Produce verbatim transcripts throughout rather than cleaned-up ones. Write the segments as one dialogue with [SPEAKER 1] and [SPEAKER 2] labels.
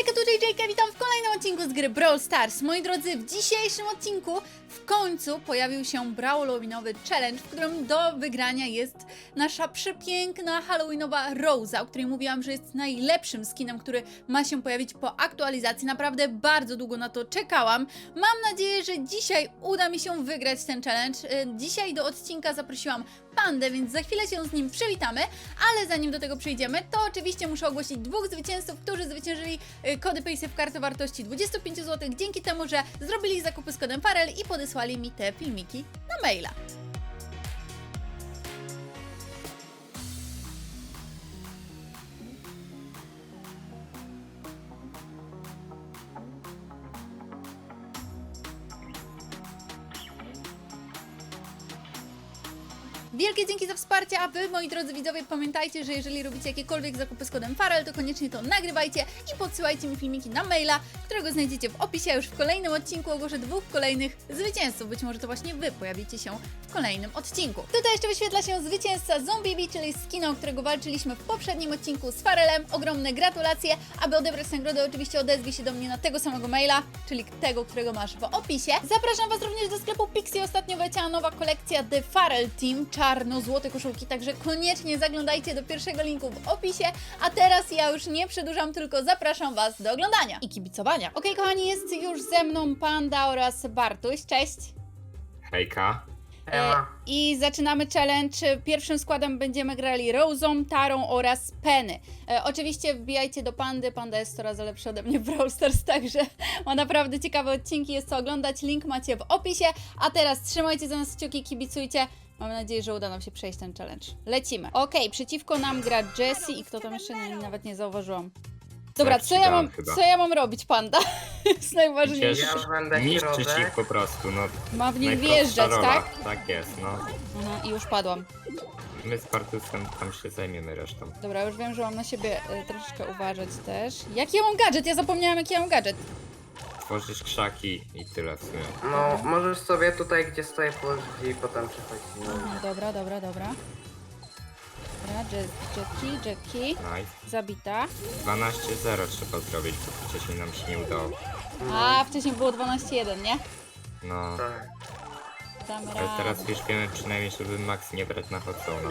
[SPEAKER 1] Hejka, tu J J K, witam w kolejnym odcinku z gry Brawl Stars. Moi drodzy, w dzisiejszym odcinku w końcu pojawił się Brawlowinowy challenge, w którym do wygrania jest nasza przepiękna halloweenowa Rosa, o której mówiłam, że jest najlepszym skinem, który ma się pojawić po aktualizacji. Naprawdę bardzo długo na to czekałam. Mam nadzieję, że dzisiaj uda mi się wygrać ten challenge. Dzisiaj do odcinka zaprosiłam Pandę, więc za chwilę się z nim przywitamy, ale zanim do tego przejdziemy, to oczywiście muszę ogłosić dwóch zwycięzców, którzy zwyciężyli kody Paysafe karty wartości dwadzieścia pięć złotych dzięki temu, że zrobili zakupy z kodem Farel i podesłali mi te filmiki na maila. Wielkie dzięki za wsparcie, a wy, moi drodzy widzowie, pamiętajcie, że jeżeli robicie jakiekolwiek zakupy z kodem Farel, to koniecznie to nagrywajcie i podsyłajcie mi filmiki na maila, którego znajdziecie w opisie. Już w kolejnym odcinku ogłoszę dwóch kolejnych zwycięzców. Być może to właśnie wy pojawicie się w kolejnym odcinku. Tutaj jeszcze wyświetla się zwycięzca Zombie, czyli skina, o którego walczyliśmy w poprzednim odcinku z Farelem. Ogromne gratulacje. Aby odebrać nagrodę, oczywiście odezwij się do mnie na tego samego maila, czyli tego, którego masz w opisie. Zapraszam was również do sklepu Pixie. Ostatnio wleciała nowa kolekcja The Farel Team, czarno-złote koszulki, także koniecznie zaglądajcie do pierwszego linku w opisie, a teraz ja już nie przedłużam, tylko zapraszam was do oglądania i kibicowania. Okej, okay, kochani, jest już ze mną Panda oraz Bartuś, cześć!
[SPEAKER 2] Hejka!
[SPEAKER 1] E, I zaczynamy challenge. Pierwszym składem będziemy grali Rosą, Tarą oraz Penny. E, oczywiście wbijajcie do Pandy, Panda jest coraz lepsza ode mnie w Brawl Stars, także ma naprawdę ciekawe odcinki, jest co oglądać, link macie w opisie, a teraz trzymajcie za nas kciuki, kibicujcie. Mam nadzieję, że uda nam się przejść ten challenge. Lecimy. Okej, okay, przeciwko nam gra Jessie i kto tam jeszcze nie, nawet nie zauważyłam. Dobra, co ja mam, co ja mam robić, Panda? Jest najważniejsze.
[SPEAKER 2] Ja już będę niszczyć ich po prostu, no.
[SPEAKER 1] Ma w nich wjeżdżać,
[SPEAKER 2] rola.
[SPEAKER 1] tak?
[SPEAKER 2] Tak jest, no.
[SPEAKER 1] Aha, i już padłam.
[SPEAKER 2] My z Bartusem tam się zajmiemy resztą.
[SPEAKER 1] Dobra, już wiem, że mam na siebie y, troszeczkę uważać też. Jaki ja mam gadżet? Ja zapomniałam, jaki ja mam gadżet.
[SPEAKER 2] Tworzysz krzaki i tyle w sumie.
[SPEAKER 3] No, możesz sobie tutaj, gdzie stoję, położyć i potem przechodzić. No.
[SPEAKER 1] Aha, dobra, dobra, dobra. Dobra, Jackie, Jackie.
[SPEAKER 2] Nice.
[SPEAKER 1] Zabita.
[SPEAKER 2] dwanaście zero trzeba zrobić, bo wcześniej nam się nie udało.
[SPEAKER 1] A, wcześniej było dwanaście jeden, nie?
[SPEAKER 2] No.
[SPEAKER 3] Tak.
[SPEAKER 1] Damy
[SPEAKER 2] Ale
[SPEAKER 1] radę.
[SPEAKER 2] teraz już wiemy przynajmniej, żeby Max nie brać na Hotzona.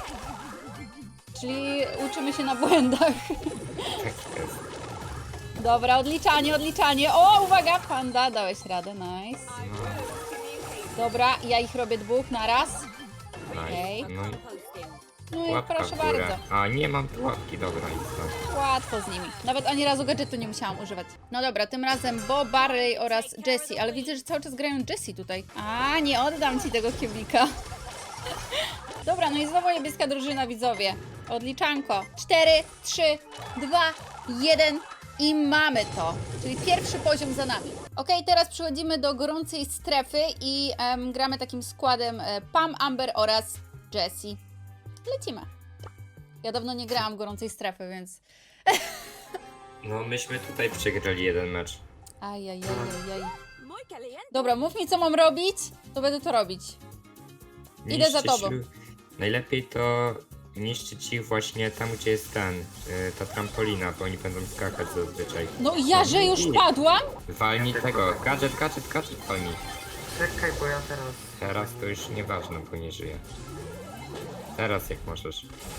[SPEAKER 1] Czyli uczymy się na błędach.
[SPEAKER 2] Tak jest.
[SPEAKER 1] Dobra, odliczanie, odliczanie. O, uwaga, Panda, dałeś radę, nice.
[SPEAKER 2] No,
[SPEAKER 1] Dobra, ja ich robię dwóch na raz.
[SPEAKER 2] nice.
[SPEAKER 1] Okej.
[SPEAKER 2] No i
[SPEAKER 1] No i
[SPEAKER 2] łapka
[SPEAKER 1] proszę
[SPEAKER 2] w górę.
[SPEAKER 1] bardzo.
[SPEAKER 2] A, nie mam tu łapki, dobra, idź tam.
[SPEAKER 1] Łatwo z nimi. Nawet ani razu gadżetu nie musiałam używać. No dobra, tym razem Bo, Barley oraz Jessie, ale widzę, że cały czas grają Jessie tutaj. A, nie oddam ci tego kubika. Dobra, no i znowu niebieska drużyna, widzowie. Odliczanko. cztery, trzy, dwa, jeden i mamy to. Czyli pierwszy poziom za nami. Ok, teraz przechodzimy do gorącej strefy i em, gramy takim składem e, Pam, Amber oraz Jessie. Lecimy. Ja dawno nie grałam gorącej strefy, więc...
[SPEAKER 2] No, myśmy tutaj przegrali jeden mecz.
[SPEAKER 1] Ajajajajaj. Dobra, mów mi, co mam robić, to będę to robić. Idę za
[SPEAKER 2] Niszczyć
[SPEAKER 1] tobą.
[SPEAKER 2] lu- Najlepiej to niszczyć ich właśnie tam, gdzie jest ten, yy, ta trampolina, bo oni będą skakać zazwyczaj.
[SPEAKER 1] No ja, że już padłam?
[SPEAKER 2] Walnij tego, gadżet, gadżet, gadżet walnij.
[SPEAKER 3] Czekaj, bo ja teraz...
[SPEAKER 2] Teraz to już nieważne, bo nie żyje. Teraz jak możesz.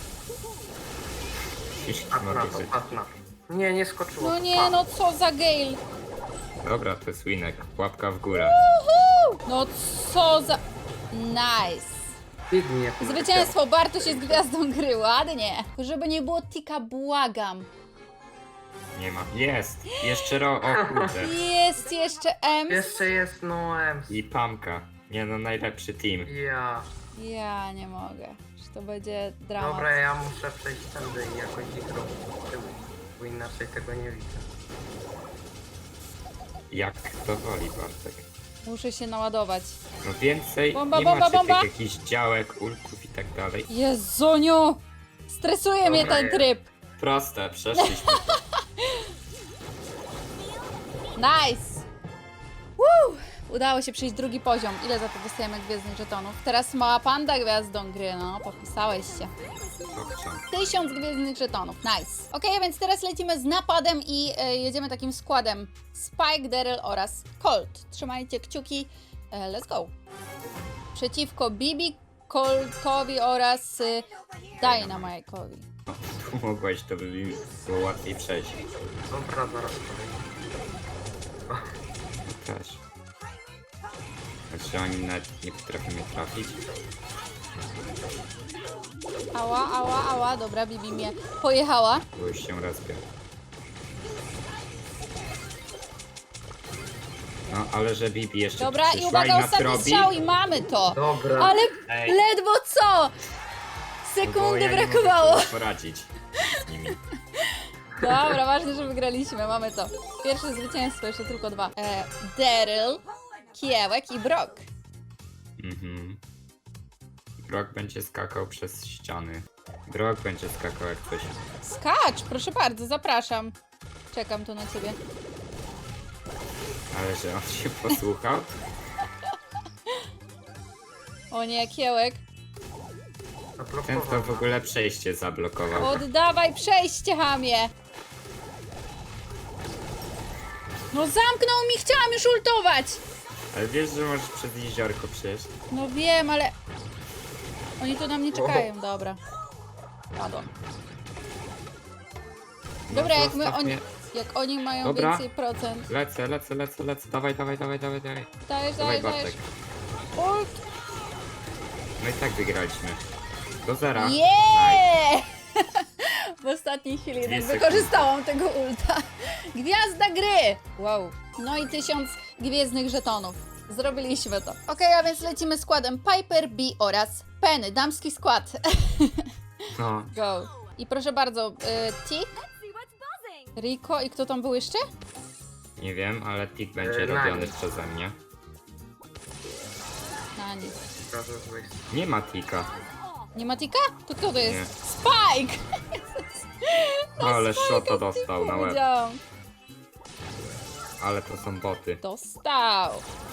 [SPEAKER 2] Już
[SPEAKER 3] Patrz na
[SPEAKER 2] mogę
[SPEAKER 3] to,
[SPEAKER 2] żyć.
[SPEAKER 3] patrz na to. Nie, nie skoczyło.
[SPEAKER 1] No nie, no co za Gale.
[SPEAKER 2] Dobra, to jest winek. Łapka w górę.
[SPEAKER 1] No co za... Nice.
[SPEAKER 3] Biegnij,
[SPEAKER 1] Zwycięstwo, Bartuś jest gwiazdą gry, ładnie. Żeby nie było tika, błagam.
[SPEAKER 2] Nie ma. Jest! Jeszcze ro... O kurde.
[SPEAKER 1] Jest jeszcze Ems.
[SPEAKER 3] Jeszcze jest no Ems.
[SPEAKER 2] I Pamka. Nie no, najlepszy team.
[SPEAKER 3] Ja.
[SPEAKER 1] Ja nie mogę. Że to będzie dramat.
[SPEAKER 3] Dobra, ja muszę przejść tędy i jakoś ich robić z tyłu, bo inaczej tego nie widzę.
[SPEAKER 2] Jak to woli, Bartek.
[SPEAKER 1] Muszę się naładować.
[SPEAKER 2] No więcej
[SPEAKER 1] Bomba,
[SPEAKER 2] nie
[SPEAKER 1] bomba,
[SPEAKER 2] macie
[SPEAKER 1] bomba.
[SPEAKER 2] tych jakichś działek, ulków i tak dalej.
[SPEAKER 1] Jezuniu! Stresuje mnie
[SPEAKER 3] Dobra,
[SPEAKER 1] ten
[SPEAKER 3] jest.
[SPEAKER 1] tryb.
[SPEAKER 2] Proste, przeszliśmy.
[SPEAKER 1] Nice! Woo! Udało się przejść drugi poziom. Ile za to dostajemy gwiezdnych żetonów? Teraz mała panda gwiazdą gry, no, podpisałeś się.
[SPEAKER 2] Dobrze.
[SPEAKER 1] Tysiąc gwiezdnych żetonów, nice. Ok, więc teraz lecimy z napadem i e, jedziemy takim składem. Spike, Daryl oraz Colt. Trzymajcie kciuki, e, let's go. Przeciwko Bibi, Coltowi oraz y, Dynamite'owi.
[SPEAKER 2] No, tu mogłeś, to by mi było łatwiej przejść.
[SPEAKER 3] Dobra, zaraz powiem.
[SPEAKER 2] Też. Znaczy oni nawet nie potrafią mnie trafić.
[SPEAKER 1] Ała, ała, ała, dobra, Bibi mnie pojechała.
[SPEAKER 2] Bo już się rozbił. No, ale że Bibi jeszcze
[SPEAKER 1] Dobra, i
[SPEAKER 2] przyszła
[SPEAKER 1] uwaga,
[SPEAKER 2] nas
[SPEAKER 1] ostatni
[SPEAKER 2] robi.
[SPEAKER 1] strzał i mamy to.
[SPEAKER 3] Dobra.
[SPEAKER 1] Ale
[SPEAKER 2] Ej.
[SPEAKER 1] ledwo co?
[SPEAKER 2] No bo
[SPEAKER 1] Sekundy
[SPEAKER 2] ja nie mogę
[SPEAKER 1] brakowało.
[SPEAKER 2] sobie poradzić z nimi.
[SPEAKER 1] Dobra, ważne, że wygraliśmy, mamy to. Pierwsze zwycięstwo, jeszcze tylko dwa. E, Daryl, Kiełek i Brock.
[SPEAKER 2] Mhm. Brock będzie skakał przez ściany. Brock będzie skakał jak coś.
[SPEAKER 1] Skacz, proszę bardzo, zapraszam. Czekam tu na ciebie.
[SPEAKER 2] Ale że on się posłuchał?
[SPEAKER 1] O nie, Kiełek.
[SPEAKER 2] Ten to w ogóle przejście zablokował.
[SPEAKER 1] Oddawaj przejście, chamie! No zamknął mi, chciałam już ultować!
[SPEAKER 2] Ale wiesz, że możesz przez jeziorko przejść?
[SPEAKER 1] No wiem, ale... Oni tu na mnie czekają, dobra. Padłam.
[SPEAKER 2] No
[SPEAKER 1] Dobra,
[SPEAKER 2] to
[SPEAKER 1] jak my
[SPEAKER 2] zostaw
[SPEAKER 1] oni...
[SPEAKER 2] mnie.
[SPEAKER 1] Jak oni mają
[SPEAKER 2] Dobra.
[SPEAKER 1] więcej procent.
[SPEAKER 2] Lecę, lecę, lecę, lecę. Dawaj, dawaj, dawaj, dawaj, dawaj.
[SPEAKER 1] Dajesz,
[SPEAKER 2] Dawaj,
[SPEAKER 1] dajesz, dajesz.
[SPEAKER 2] Bartek.
[SPEAKER 1] Ult!
[SPEAKER 2] No i tak wygraliśmy. Do zera.
[SPEAKER 1] Yeah! W ostatniej chwili jednak
[SPEAKER 2] Dwie
[SPEAKER 1] wykorzystałam tego ulta. Gwiazda gry! Wow. No i tysiąc gwiezdnych żetonów. Zrobiliśmy to. Okej, a więc lecimy składem Piper, Bee oraz Penny. Damski skład.
[SPEAKER 2] No,
[SPEAKER 1] Go. I proszę bardzo, y, Tik, Rico i kto tam był jeszcze?
[SPEAKER 2] nie wiem, ale tik będzie
[SPEAKER 3] E,
[SPEAKER 2] robiony
[SPEAKER 3] Nani.
[SPEAKER 2] przeze mnie.
[SPEAKER 1] Nani.
[SPEAKER 2] Nie ma tika.
[SPEAKER 1] Nie ma Tika? To kto to jest?
[SPEAKER 2] Nie.
[SPEAKER 1] Spike!
[SPEAKER 2] Ale szota dostał na łeb.
[SPEAKER 1] Powiedziałam.
[SPEAKER 2] Ale to są boty.
[SPEAKER 1] Dostał.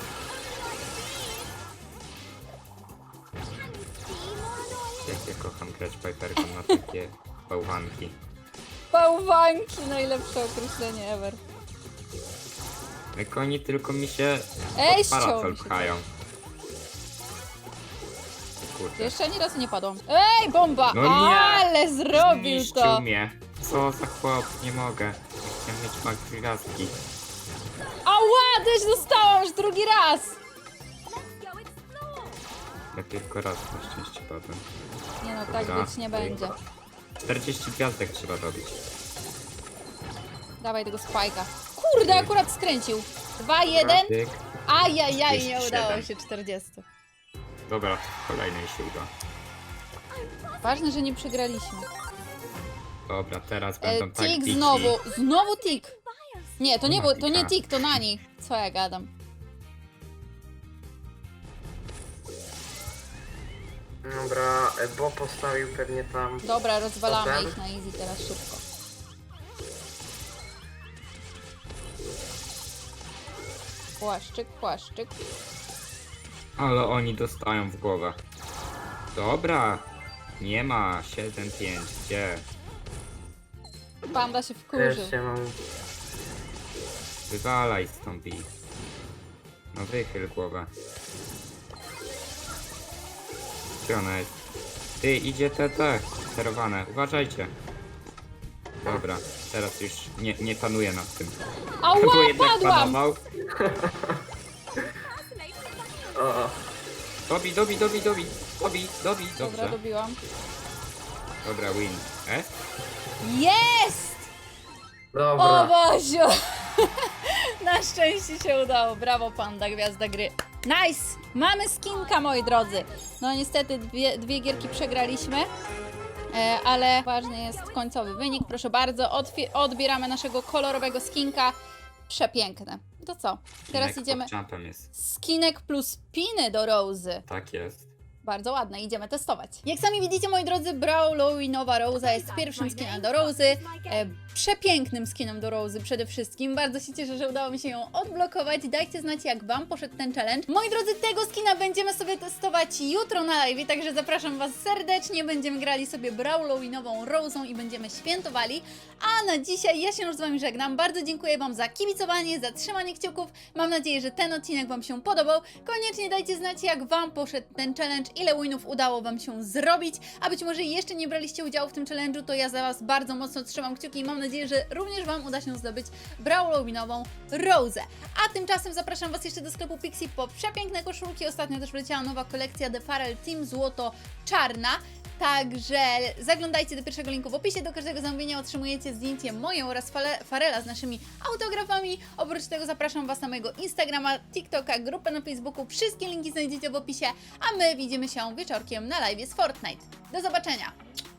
[SPEAKER 2] Jak ja kocham grać Piperką na takie bałwanki.
[SPEAKER 1] Bałwanki, najlepsze określenie ever.
[SPEAKER 2] Jak oni tylko mi się
[SPEAKER 1] Ej,
[SPEAKER 2] pod
[SPEAKER 1] ściął
[SPEAKER 2] parasol
[SPEAKER 1] mi się
[SPEAKER 2] pchają. O kurde.
[SPEAKER 1] Jeszcze ani razu nie padłam. Ej, bomba!
[SPEAKER 2] No nie!
[SPEAKER 1] Ale zrobił
[SPEAKER 2] Zniszczył
[SPEAKER 1] to!
[SPEAKER 2] mnie. Co za chłop, nie mogę. Chciałem mieć mak gwiazdki.
[SPEAKER 1] Ała, też dostałam już drugi raz!
[SPEAKER 2] Ja tylko raz na szczęście padłem.
[SPEAKER 1] Nie no, tak
[SPEAKER 2] Dobra.
[SPEAKER 1] być nie będzie.
[SPEAKER 2] czterdzieści gwiazdek trzeba robić.
[SPEAKER 1] Dawaj tego spajka. Kurde, akurat skręcił. dwa jeden.
[SPEAKER 2] Tyk.
[SPEAKER 1] Ajajaj, nie
[SPEAKER 2] trzydzieści
[SPEAKER 1] udało
[SPEAKER 2] siedem.
[SPEAKER 1] się czterdzieści.
[SPEAKER 2] Dobra, kolejnej się uda.
[SPEAKER 1] Ważne, że nie przegraliśmy.
[SPEAKER 2] Dobra, teraz
[SPEAKER 1] E,
[SPEAKER 2] będą tak
[SPEAKER 1] tik
[SPEAKER 2] bici.
[SPEAKER 1] znowu. Znowu tik. Nie, to nie,
[SPEAKER 2] Nie ma
[SPEAKER 1] było, to nie
[SPEAKER 2] tika.
[SPEAKER 1] tik, to Nani. Co ja gadam?
[SPEAKER 3] Dobra, e, Bo postawił pewnie tam.
[SPEAKER 1] Dobra, rozwalamy
[SPEAKER 3] Potem?
[SPEAKER 1] ich na easy teraz szybko. Płaszczyk, płaszczyk.
[SPEAKER 2] Ale oni dostają w głowę. Dobra. Nie ma. siedem pięć. Gdzie?
[SPEAKER 1] Panda się wkurzył.
[SPEAKER 3] Też się mam.
[SPEAKER 2] Wywalaj stąd i. No wychyl głowę. Gdzie ona jest? Ty, idzie te te. Sterowane. Uważajcie. Dobra. Teraz już nie, nie panuję nad tym. Bo
[SPEAKER 1] Ała,
[SPEAKER 2] jednak
[SPEAKER 1] padłam!
[SPEAKER 2] panował.
[SPEAKER 3] O, o.
[SPEAKER 2] Dobi, dobi, dobi, dobi. Dobi, dobi.
[SPEAKER 1] Dobra,
[SPEAKER 2] Dobrze.
[SPEAKER 1] dobiłam.
[SPEAKER 2] Dobra, win. E?
[SPEAKER 1] Jest! O
[SPEAKER 3] Dobra.
[SPEAKER 1] Boziu! Na szczęście się udało. Brawo, Panda, gwiazda gry. Nice! Mamy skinka, moi drodzy. No niestety dwie, dwie gierki przegraliśmy, e, ale ważny jest końcowy wynik. Proszę bardzo, Otwie- odbieramy naszego kolorowego skinka. Przepiękne. To co? Teraz
[SPEAKER 2] Skinek
[SPEAKER 1] idziemy...
[SPEAKER 2] pod jumpem jest.
[SPEAKER 1] Skinek plus piny do Rozy.
[SPEAKER 2] Tak jest.
[SPEAKER 1] Bardzo ładne, idziemy testować. Jak sami widzicie, moi drodzy, Brawlowi nowa Rosa jest pierwszym skinem do Rosy. E, przepięknym skinem do Rozy przede wszystkim. Bardzo się cieszę, że udało mi się ją odblokować. Dajcie znać, jak Wam poszedł ten challenge. Moi drodzy, tego skina będziemy sobie testować jutro na live, także zapraszam Was serdecznie. Będziemy grali sobie Brawlowinową Rozą i będziemy świętowali. A na dzisiaj ja się już z Wami żegnam. Bardzo dziękuję Wam za kibicowanie, za trzymanie kciuków. Mam nadzieję, że ten odcinek Wam się podobał. Koniecznie dajcie znać, jak Wam poszedł ten challenge, ile winów udało Wam się zrobić. A być może jeszcze nie braliście udziału w tym challenge'u, to ja za Was bardzo mocno trzymam kciuki i mam nadzieję, że również Wam uda się zdobyć Brawlowinową Rozę. A tymczasem zapraszam Was jeszcze do sklepu Pixie po przepiękne koszulki. Ostatnio też wleciała nowa kolekcja The Farel Team Złoto-Czarna. Także zaglądajcie do pierwszego linku w opisie. Do każdego zamówienia otrzymujecie zdjęcie moje oraz fale, Farela z naszymi autografami. Oprócz tego zapraszam Was na mojego Instagrama, TikToka, grupę na Facebooku. Wszystkie linki znajdziecie w opisie, a my widzimy się wieczorkiem na live z Fortnite. Do zobaczenia!